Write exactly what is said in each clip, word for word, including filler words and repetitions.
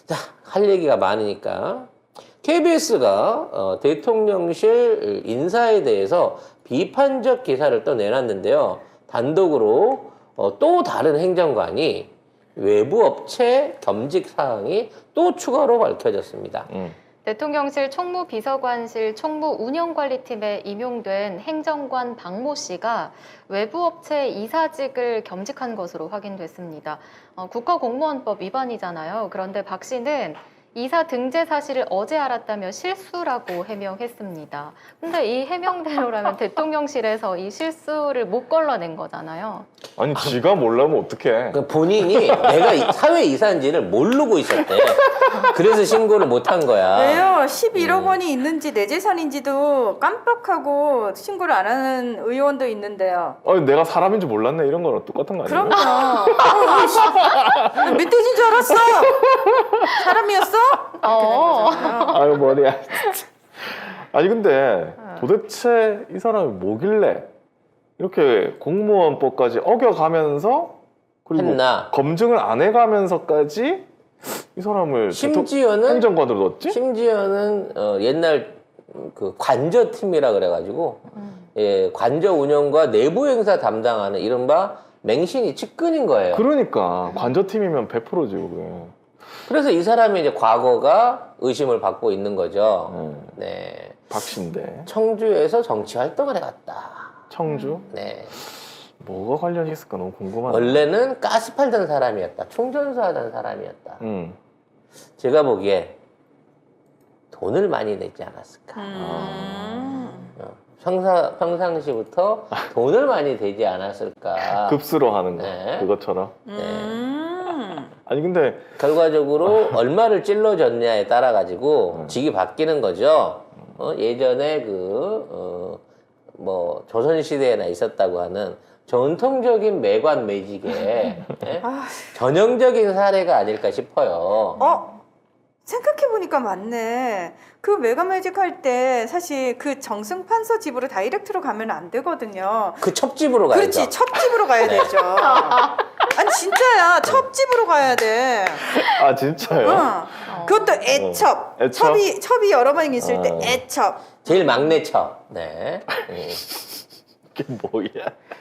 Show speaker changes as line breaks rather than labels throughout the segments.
자, 할 얘기가 많으니까 케이비에스가 어, 대통령실 인사에 대해서 비판적 기사를 또 내놨는데요. 단독으로 어, 또 다른 행정관이 외부 업체 겸직 사항이 또 추가로 밝혀졌습니다.
음.
대통령실 총무비서관실 총무운영관리팀에 임용된 행정관 박모 씨가 외부 업체 이사직을 겸직한 것으로 확인됐습니다. 어, 국가공무원법 위반이잖아요. 그런데 박 씨는 이사 등재 사실을 어제 알았다며 실수라고 해명했습니다. 근데 이 해명대로라면 대통령실에서 이 실수를 못 걸러낸 거잖아요.
아니 지가 몰라면 어떡해.
그 본인이 내가 이- 사회 이사인지를 모르고 있었대. 그래서 신고를 못 한 거야.
왜요? 십일억 원이 있는지 내 재산인지도 깜빡하고 신고를 안 하는 의원도 있는데요.
아니 내가 사람인지 몰랐네 이런 거랑 똑같은 거 아니에요?
그럼요. 어, 씨. 멧돼지인 줄 알았어. 사람이었어? 이렇게 된
어.
거잖아요.
아유 머리야. 아니 근데 도대체 이 사람이 뭐길래 이렇게 공무원법까지 어겨가면서 그리고
했나?
검증을 안 해가면서까지 이 사람을
심지어는
대통- 행정관으로 넣었지?
심지어는 어, 옛날 그 관저팀이라 그래가지고 예, 관저 운영과 내부 행사 담당하는 이른바 맹신이 측근인 거예요.
그러니까 관저팀이면 백 퍼센트지 그게.
그래서 이 사람이 이제 과거가 의심을 받고 있는 거죠.
음,
네,
박씨인데
청주에서 정치 활동을 해갔다.
청주?
네,
뭐가 관련이 있을까 너무 궁금하네.
원래는 가스 팔던 사람이었다. 충전소 하던 사람이었다.
음.
제가 보기에 돈을 많이 내지 않았을까.
음.
어, 평사, 평상시부터 돈을 많이 대지 않았을까.
급수로 하는 거
네.
그것처럼.
음.
아니 근데
결과적으로 얼마를 찔러줬냐에 따라 가지고 직이 바뀌는 거죠. 어, 예전에 그, 어, 뭐, 조선시대에나 있었다고 하는 전통적인 매관 매직의 예?
아,
전형적인 사례가 아닐까 싶어요.
어? 생각해보니까 맞네. 그 메가매직 할 때 사실 그 정승판서 집으로 다이렉트로 가면 안 되거든요.
그 첩집으로 가야죠.
그렇지, 첩집으로 가야
네.
되죠. 아니 진짜야, 첩집으로 가야 돼.
아 진짜요?
응. 그것도 애첩.
어. 애첩?
첩이 첩이 여러 명 있을 때
어.
애첩.
제일 막내 첩. 네. 음.
이게 뭐야?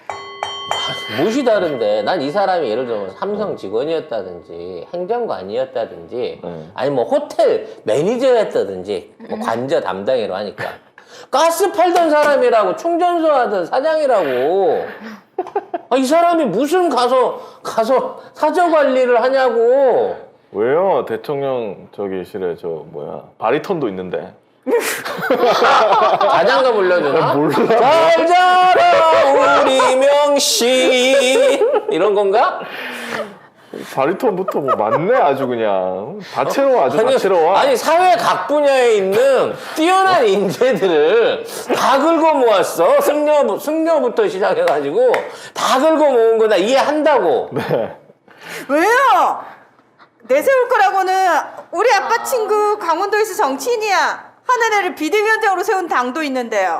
무엇이 다른데 난 이 사람이 예를 들면 삼성 직원이었다든지 행정관이었다든지
네.
아니 뭐 호텔 매니저였다든지 뭐 관저 담당이라고 하니까 가스 팔던 사람이라고 충전소 하던 사장이라고 아, 이 사람이 무슨 가서 가서 사저 관리를 하냐고.
왜요? 대통령 저기 실에 저 뭐야 바리톤도 있는데.
자장가 불러주나?
몰라.
잘 자라 우리 명씨 이런 건가?
바리톤부터 뭐 맞네 아주 그냥 다채로워 아주 다채로워.
아니 사회 각 분야에 있는 뛰어난 인재들을 다 긁어 모았어. 승려 승려부터 시작해가지고 다 긁어 모은 거 나 이해한다고.
네.
왜요? 내세울 거라고는 우리 아빠 친구 강원도에서 정치인이야. 하늘애를 비대위원장으로 세운 당도 있는데요.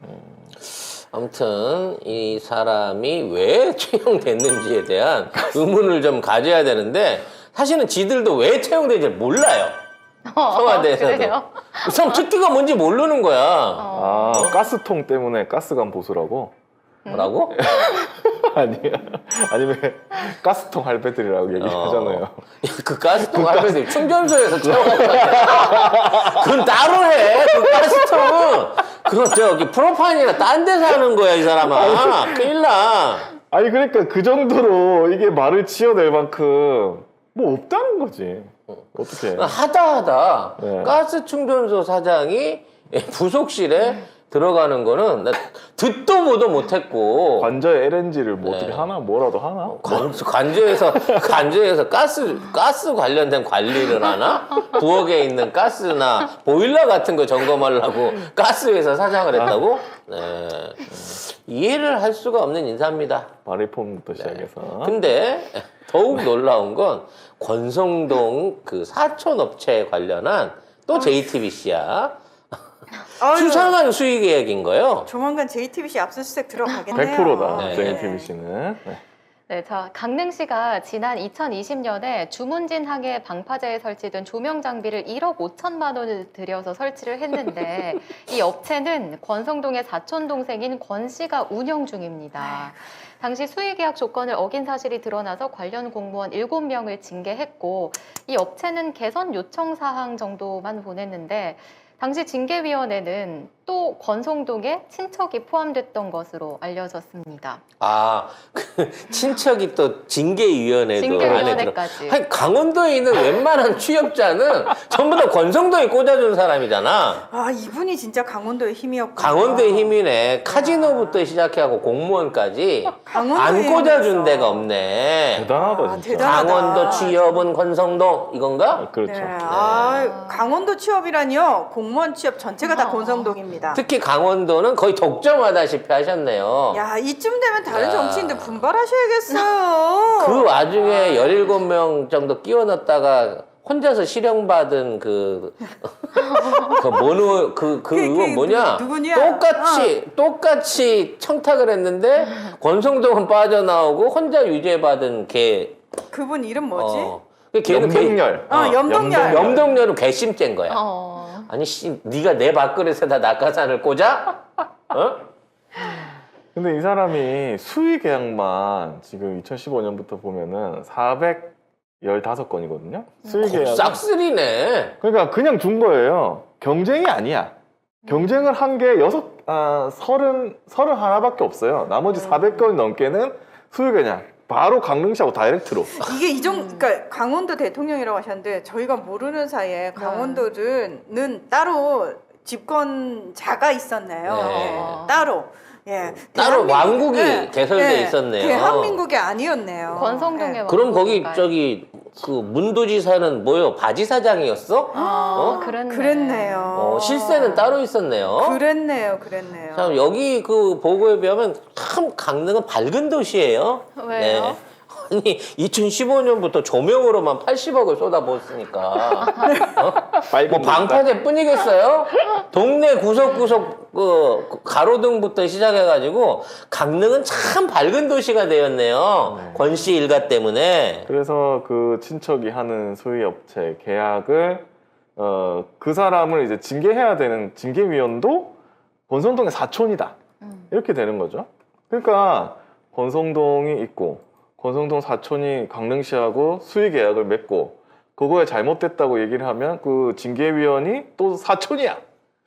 아무튼 이 사람이 왜 채용됐는지에 대한 의문을 좀 가져야 되는데 사실은 지들도 왜 채용된지 몰라요. 청와대에서도.
그래요?
우선 특기가 뭔지 모르는 거야.
아 가스통 때문에 가스관 보수라고?
뭐라고?
아니 아니 왜 가스통 할배들이라고 얘기하잖아요.
어. 그 가스통 할배들 충전소에서 채워갔다. 그건 따로 해. 그 가스통은 그건 저기 프로파인이나 딴 데서 하는 거야 이 사람아. 큰일 나.
아니 그러니까 그 정도로 이게 말을 지어낼 만큼 뭐 없다는 거지. 어떻게?
하다 하다
네.
가스 충전소 사장이 부속실에 들어가는 거는 나 듣도 보도 못했고
관저에 엘엔지를 뭐
네.
어떻게 하나 뭐라도 하나?
관, 관저에서 관저에서 가스 가스 관련된 관리를 하나? 부엌에 있는 가스나 보일러 같은 거 점검하려고 가스회사 사장을 했다고? 네. 이해를 할 수가 없는 인사입니다.
바리폼부터
네.
시작해서.
근데 더욱 놀라운 건 권성동 그 사촌 업체에 관련한 또 제이티비씨야.
아유,
수상한 수익 계획인 거예요.
조만간 제이티비씨 압수수색 들어가겠네요.
백 퍼센트다.
네.
제이티비씨는. 네.
네, 자, 강릉시가 지난 이천이십 년에 주문진항에 방파제에 설치된 조명 장비를 일억 오천만 원을 들여서 설치를 했는데 이 업체는 권성동의 사촌 동생인 권 씨가 운영 중입니다. 당시 수의계약 조건을 어긴 사실이 드러나서 관련 공무원 일곱 명을 징계했고 이 업체는 개선 요청 사항 정도만 보냈는데 당시 징계위원회는 또 권성동의 친척이 포함됐던 것으로 알려졌습니다.
아, 그 친척이 또 징계위원회도 안에 들어.
징계위원회까지.
아니, 강원도에 있는 웬만한 취업자는 전부 다 권성동이 꽂아준 사람이잖아.
아, 이분이 진짜 강원도의 힘이었구나.
강원도의 힘이네. 카지노부터 시작해하고 공무원까지 안
강원도의
꽂아준
힘이었어.
데가 없네.
대단하다
아,
진짜.
대단하다.
강원도 취업은 권성동 이건가?
그렇죠.
네. 아, 강원도 취업이라니요. 공무원 취업 전체가 다
아.
권성동입니다.
특히 강원도는 거의 독점하다시피 하셨네요.
야, 이쯤 되면 다른
야.
정치인들 분발하셔야겠어요.
그 와중에 열일곱 명 정도 끼워 넣었다가 혼자서 실형받은 그, 그, 뭐노, 그, 그
그,
의원
그
뭐냐?
누- 누구냐?
똑같이, 똑같이 청탁을 했는데, 권성동은 빠져나오고, 혼자 유죄받은 걔.
그분 이름 뭐지?
어. 그 걔는 걔-
염동열.
어, 염동열.
염동열은 괘씸죄인 거야.
어.
아니, 씨, 네가 내 밥그릇에다 낙하산을 꽂아? 어?
근데 이 사람이 수의 계약만 지금 이천십오 년부터 보면은 사백십오 건이거든요. 수의 계약.
싹쓸이네.
그러니까 그냥 준 거예요. 경쟁이 아니야. 경쟁을 한 게 여섯, 아, 서른, 서른 하나밖에 없어요. 나머지 사백 건이 넘게는 수의 계약. 바로 강릉시하고 다이렉트로.
이게 이정, 그러니까 강원도 대통령이라고 하셨는데 저희가 모르는 사이에 강원도는 따로 집권자가 있었네요.
네.
네, 따로. 예,
따로
대한민국-
왕국이
네,
개설돼
네,
있었네요.
대한민국이 아니었네요.
권성동의
네.
그럼 거기
왕국인가요?
저기 그 문도지사는 뭐요? 바지사장이었어?
아,
어?
그랬네.
그랬네요.
어, 실세는 따로 있었네요.
그랬네요, 그랬네요.
참 여기 그 보고에 비하면 참 강릉은 밝은 도시예요.
왜요?
아니 이천십오 년부터 조명으로만 팔십억을 쏟아부었으니까 뭐 방파제뿐이겠어요? 동네 구석구석 그 가로등부터 시작해가지고 강릉은 참 밝은 도시가 되었네요. 권씨 일가 때문에.
그래서 그 친척이 하는 수의 업체 계약을 어, 그 사람을 이제 징계해야 되는 징계위원도 권성동의 사촌이다.
음.
이렇게 되는 거죠. 그러니까 권성동이 있고 권성동 사촌이 강릉시하고 수의 계약을 맺고 그거에 잘못됐다고 얘기를 하면 그 징계위원이 또 사촌이야.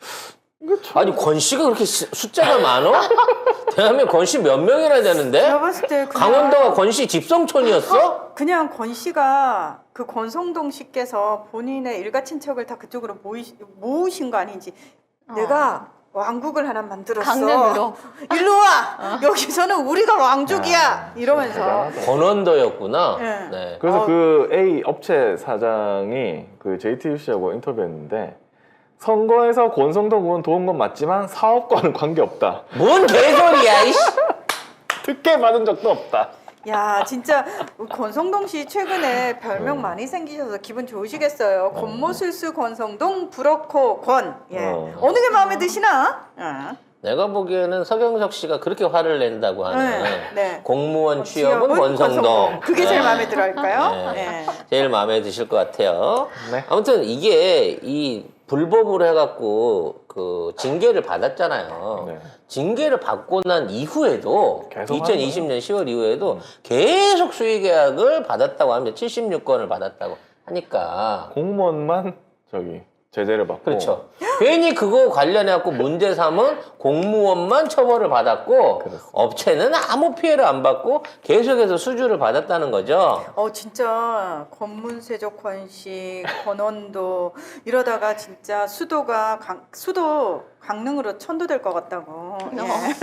이거 참-
아니 권씨가 그렇게 시- 숫자가 많어? 대한민국 권씨 몇 명이나 되는데?
제가 봤을 때 그냥,
강원도가 권씨 집성촌이었어?
그냥 권 씨가 그 권성동 씨께서 본인의 일가 친척을 다 그쪽으로 모이, 모으신 거 아닌지
어.
내가 왕국을 하나 만들었어.
강릉으로.
일로 와. 여기서는 우리가 왕족이야. 이러면서.
대단하다.
권원도였구나.
네.
네.
그래서
어.
그 A 업체 사장이 그 제이티유씨하고 인터뷰했는데 선거에서 권성동 의원 도운 건 맞지만 사업과는 관계없다.
뭔 개소리야, 이씨.
특혜 받은 적도 없다.
야, 진짜 권성동 씨 최근에 별명
어.
많이 생기셔서 기분 좋으시겠어요. 권모술수 권성동 브로커 권. 예.
어.
어. 느 게 마음에 드시나? 어.
내가 보기에는 서경석 씨가 그렇게 화를 낸다고 하는
네, 네.
공무원 취업은
취업은
권성동.
그게 제일
네.
마음에 들어 할까요?
네.
네.
제일 마음에 드실 것 같아요.
네.
아무튼 이게 이 불법으로 해갖고 그 징계를 받았잖아요.
네.
징계를 받고 난 이후에도
계속
이천이십 년 시월 이후에도 계속 수의 계약을 받았다고 합니다. 칠십육 건을 받았다고 하니까.
공무원만 저기 제재를 받고.
그렇죠. 괜히 그거 관련해갖고 문제 삼은 공무원만 처벌을 받았고
그렇습니다.
업체는 아무 피해를 안 받고 계속해서 수주를 받았다는 거죠.
어 진짜 권문세적 권씨 권원도 이러다가 진짜 수도가 강, 수도 강릉으로 천도될 것 같다고. 예.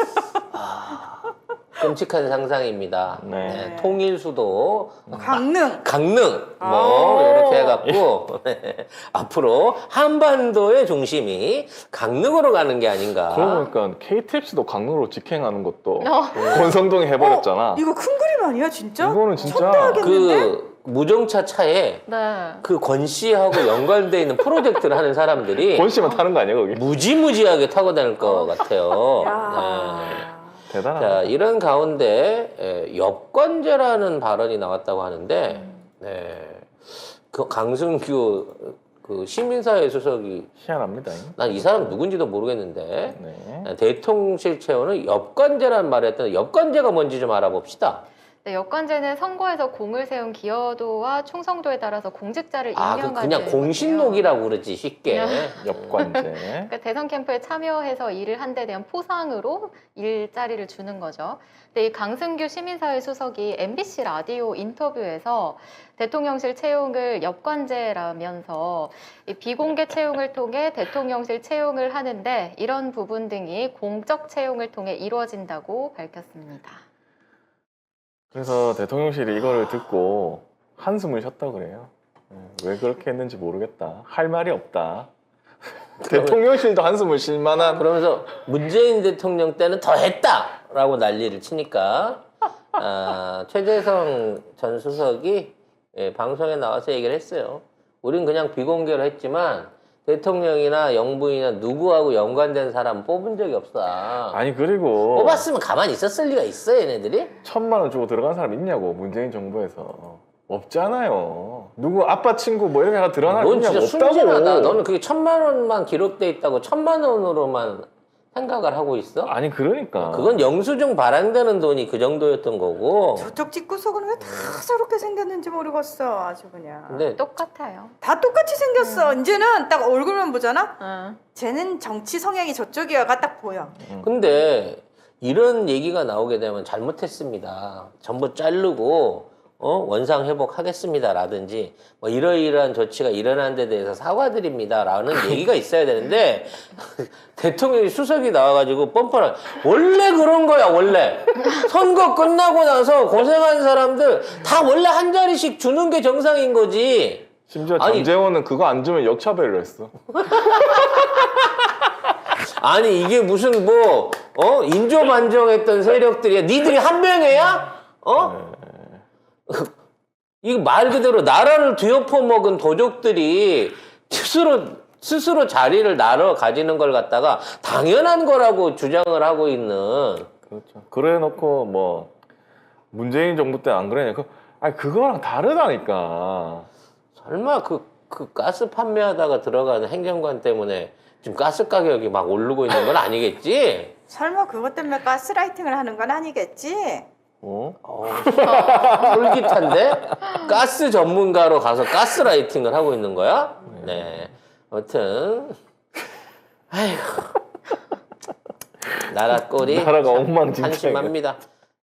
끔찍한 상상입니다.
네.
네, 통일수도
강릉.
강릉
아오.
뭐 이렇게 해갖고 네, 앞으로 한반도의 중심이 강릉으로 가는 게 아닌가.
그러고 보니까 케이티엑스도 강릉으로 직행하는 것도
어.
권성동이 해버렸잖아.
이거 큰 그림 아니야 진짜?
이거는 진짜
천대하겠는데?
그 무정차 차에
네.
그 권 씨하고 연관돼 있는 프로젝트를 하는 사람들이
권 씨만 타는 거 아니야 거기?
무지무지하게 타고 다닐 것 같아요.
야.
네.
대단하다.
자, 이런 가운데 에, 엽관제라는 발언이 나왔다고 하는데, 네, 그 강승규 그 시민사회 수석이
희한합니다.
난 이 사람 누군지도 모르겠는데
네.
대통령실 채용은 엽관제라는 말을 했던데 엽관제가 뭔지 좀 알아봅시다.
네, 여권제는 선거에서 공을 세운 기여도와 충성도에 따라서 공직자를
아, 그
임명하는
그냥 공신록이라고 그러지 쉽게.
엽관제.
그러니까 대선 캠프에 참여해서 일을 한 데 대한 포상으로 일자리를 주는 거죠. 근데 이 강승규 시민사회 수석이 엠비씨 라디오 인터뷰에서 대통령실 채용을 엽관제라면서 이 비공개 채용을 통해 대통령실 채용을 하는데 이런 부분 등이 공적 채용을 통해 이루어진다고 밝혔습니다.
그래서 대통령실이 이거를 듣고 한숨을 쉬었다고 그래요. 네, 왜 그렇게 했는지 모르겠다. 할 말이 없다. 대통령실도 한숨을 쉴 만한.
그러면서 문재인 대통령 때는 더 했다라고 난리를 치니까 아, 최재성 전 수석이 예, 방송에 나와서 얘기를 했어요. 우린 그냥 비공개로 했지만 대통령이나 영부인이나 누구하고 연관된 사람 뽑은 적이 없어.
아니 그리고
뽑았으면 가만히 있었을 리가 있어 얘네들이?
천만 원 주고 들어간 사람 있냐고 문재인 정부에서. 없잖아요. 누구 아빠 친구 뭐 이렇게 들어간 사람
넌 진짜
있냐고.
순진하다.
없다고.
너는 그게 천만 원만 기록돼 있다고 천만 원으로만 생각을 하고 있어?
아니 그러니까.
그건 영수증 발행되는 돈이 그 정도였던 거고.
저쪽 집구석은 왜 다 저렇게 생겼는지 모르겠어. 아주 그냥.
근데
똑같아요.
다 똑같이 생겼어. 이제는 딱 얼굴만 보잖아.
응.
쟤는 정치 성향이 저쪽이야가 딱 보여.
근데 이런 얘기가 나오게 되면 잘못했습니다. 전부 자르고 어? 원상 회복하겠습니다라든지 뭐 이러이러한 조치가 일어난 데 대해서 사과드립니다라는 얘기가 있어야 되는데 대통령이 수석이 나와가지고 뻔뻔한 원래 그런 거야 원래 선거 끝나고 나서 고생한 사람들 다 원래 한 자리씩 주는 게 정상인 거지.
심지어
아니-
전재원은 그거 안 주면 역차별을 했어.
아니 이게 무슨 뭐 어? 인조반정했던 세력들이야. 니들이 한 명이야? 어? 이거 말 그대로 나라를 뒤엎어 먹은 도적들이 스스로 스스로 자리를 나눠 가지는 걸 갖다가 당연한 거라고 주장을 하고 있는.
그렇죠. 그래 놓고 뭐 문재인 정부 때 안 그러냐. 그 아니 그거랑 다르다니까.
설마 그, 그 가스 판매하다가 들어가는 행정관 때문에 지금 가스 가격이 막 오르고 있는 건 아니겠지?
설마 그것 때문에 가스라이팅을 하는 건 아니겠지?
어?
어, 솔깃한데? 가스 전문가로 가서 가스라이팅을 하고 있는 거야? 네. 아무튼, 아휴. 나라 꼴이
나라가
참
엉망진창이야.
한심합니다.